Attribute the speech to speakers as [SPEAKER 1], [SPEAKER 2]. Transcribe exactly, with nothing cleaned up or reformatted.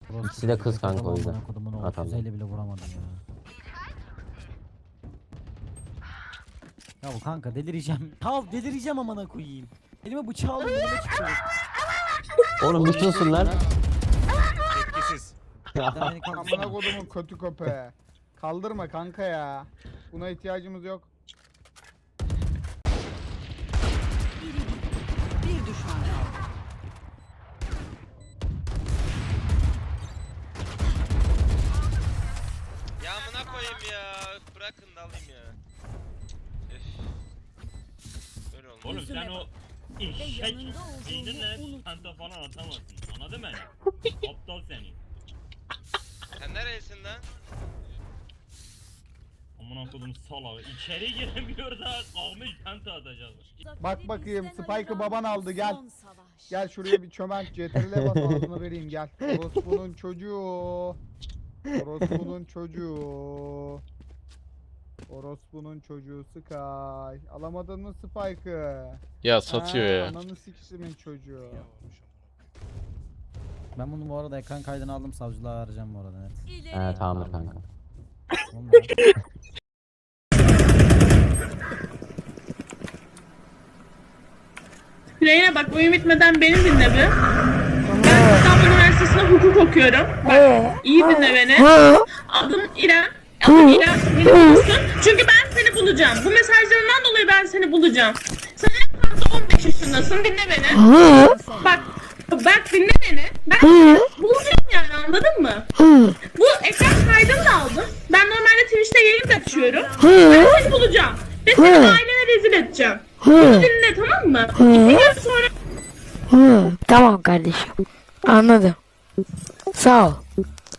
[SPEAKER 1] İkisi de kız kanka o yüzden.
[SPEAKER 2] Atalım. yüz elli bile vuramadım ya. Ya bu kanka delireceğim. Tal delireceğim amına koyayım. Elime bıçağı aldım elime çıkıyor.
[SPEAKER 1] Oğlum bir susun lan.
[SPEAKER 3] Etkisiz.
[SPEAKER 4] Amına kodumun kötü köpeği. Kaldırma kanka ya. Buna ihtiyacımız yok.
[SPEAKER 5] Bir düşman kaldı.
[SPEAKER 6] Ya amına koyayım ya. Bırakın da alayım ya. Üf. Böyle olmaz.
[SPEAKER 7] Oğlum sen o eşek zihnine penta falan atamazsın. Anladın mı beni? Aptal seni.
[SPEAKER 6] Sen neresin lan?
[SPEAKER 7] Amına kodum salağı. İçeri giremiyor da kalmış penta atacak.
[SPEAKER 4] Bak bakayım Spike'ı baban aldı gel. Gel şuraya bir çömelt C T R L'e bas ağzına vereyim gel. Orospu'nun çocuğu. Orospu'nun çocuğu. Orospu'nun çocuğu Sky. Alamadın mı Spike'ı?
[SPEAKER 8] Ya satıyor
[SPEAKER 4] Ha,
[SPEAKER 8] ya.
[SPEAKER 4] Ananı sikişimin çocuğu.
[SPEAKER 2] Ben bunu bu arada ekran kaydını aldım, savcılığa vereceğim bu arada net.
[SPEAKER 1] He tamamdır kanka.
[SPEAKER 2] Tamam
[SPEAKER 9] Reyna bak oyun bitmeden beni dinle bir. Ben İstanbul Üniversitesi'nde hukuk okuyorum. Bak iyi dinle beni. Adım İrem. Adım İrem. Beni bulursun. Çünkü ben seni bulacağım. Bu mesajlarından dolayı ben seni bulacağım. Sen en fazla on beş yaşındasın. Dinle beni. Bak bak dinle beni. Ben bulacağım yani anladın mı? Bu ekran kaydını da aldım. Ben normalde Twitch'te yayın da açıyorum. Ben seni bulacağım. Ve seni ailene rezil edeceğim. Bunu dinle tamam mı? İki gün sonra...
[SPEAKER 10] Hı, tamam kardeşim. Anladım. Sağ ol.